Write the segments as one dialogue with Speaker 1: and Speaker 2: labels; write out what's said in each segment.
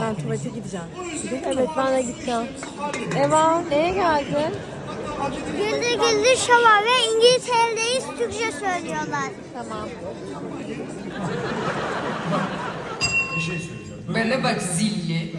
Speaker 1: Ben tuvalete gideceğim.
Speaker 2: Evet ben de gideceğim. Eva neye geldin?
Speaker 3: Güldür Güldür Şova ve İngiltere'deyiz. Türkçe söylüyorlar.
Speaker 2: Tamam.
Speaker 4: Bir şey söyleyeceğim.
Speaker 5: Bana bak zilli.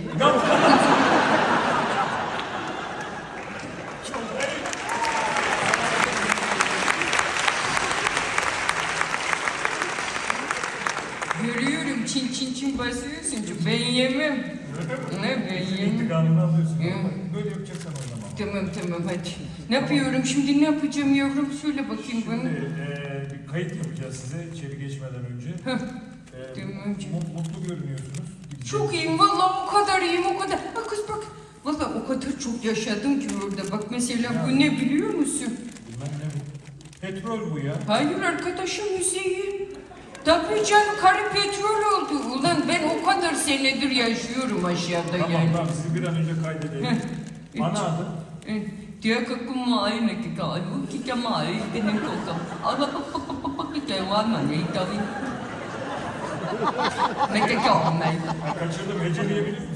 Speaker 5: Görüyorum çin çin çin basıyorsun. Ben yemem. Ne ben yemem.
Speaker 4: İntikamını alıyorsun.
Speaker 5: Ya.
Speaker 4: Böyle yapacaksan oynama.
Speaker 5: Tamam hadi. Ne yapıyorum şimdi, ne yapacağım yavrum, söyle bakayım bana.
Speaker 4: Bir kayıt yapacağız size içeri geçmeden önce.
Speaker 5: Tamam.
Speaker 4: Mutlu görünüyorsunuz.
Speaker 5: Çok iyiyim vallahi, o kadar iyiyim, o kadar. Bak kız bak. Vallahi o kadar çok yaşadım ki orada. Bak mesela bu ne biliyor musun?
Speaker 4: Bilmem ne bu. Petrol bu ya.
Speaker 5: Hayır arkadaşım, Hüseyin. Tabii canım, karı petrol oldu. Ulan ben o kadar senedir yaşıyorum aşağıda
Speaker 4: Tamam
Speaker 5: yani.
Speaker 4: tamam sizi bir an önce kaydedelim. Ana adı.
Speaker 5: Dia kumain na kikalu kita mai kenen kokam. Allah Taiwan mà vậy tôi. Mấy cái trò này.
Speaker 4: Kaçırdım. Heceleyebilir misin?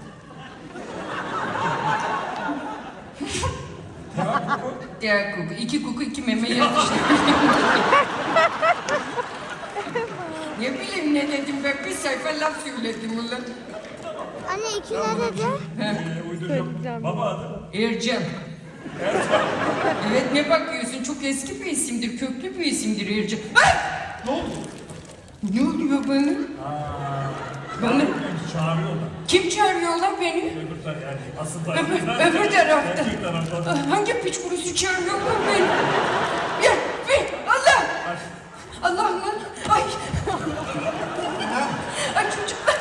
Speaker 5: Dia kuku, iki kuku iki meme yatıştı. Ne bileyim ne dedim ben, bir sayfa laf söyledim ulan.
Speaker 3: Anne iki ne dedi?
Speaker 4: Uyduracağım. Baba adı.
Speaker 5: Ercan. Evet, ne bakıyorsun? Çok eski bir isimdir, köklü bir isimdir Ercan. Ay!
Speaker 4: Ne oldu?
Speaker 5: Ne oluyor bana? Bana
Speaker 4: Çağırıyorlar.
Speaker 5: kim çağırıyor lan beni?
Speaker 4: Öbür tarafta yani asıl
Speaker 5: Öbür
Speaker 4: tarafta.
Speaker 5: tarafta.
Speaker 4: Erkek tarafta.
Speaker 5: Hangi piç kurusu çağırıyor lan beni? Ya, Allah! Allah'ım lan! Ay! Ay çocuklar!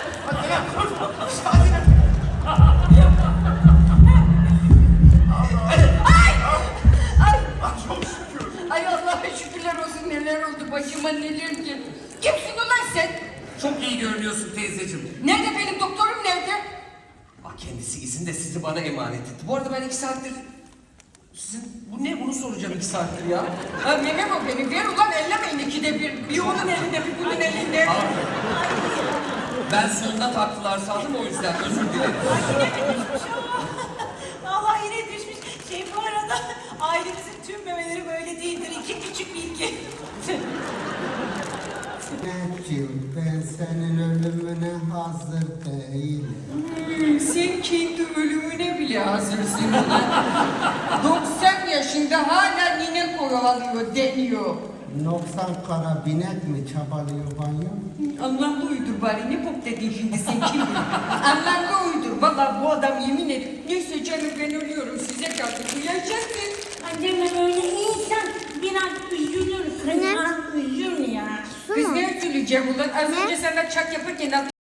Speaker 5: Ay Allah'a şükürler olsun, neler oldu başıma, neler ki. Kimsin ulan sen?
Speaker 6: Çok iyi görünüyorsun teyzeciğim.
Speaker 5: Nerede benim doktorum, nerede?
Speaker 6: Kendisi izin de sizi bana emanet etti. Bu arada ben 2 saattir... Bu ne? Bunu soracağım 2 saattir ya.
Speaker 5: Ha Mehmet o beni, ver ulan, ellemeyin ikide bir. Bir onun elinde, bir bunun elinde.
Speaker 6: Ben sonunda taktılar sandım, o yüzden özür dilerim.
Speaker 7: Vallahi yine düşmüş. Bu arada ailemizin tüm memeleri böyle değildir. 2 küçük bilgi.
Speaker 8: Necim, ben senin ölümüne hazır değilim.
Speaker 5: Sen kendi ölümüne bile hazırsın ulan. 90 yaşında hala nine kovalıyor, deniyor.
Speaker 8: 90 kara binek mi çabalıyor banyo?
Speaker 5: Anlamlı uydur bari, ne bok dedin şimdi sen, kim bilir? Anlamlı uydur, valla bu adam yemin ederim. Neyse canım, ben ölüyorum, size kaldı. Duyacaksın.
Speaker 7: Anneme böyle insan biraz üzülür. Kızlar üzülür ya.
Speaker 5: Kız ne üzüleceğim ulan? Az önce sana çak yaparken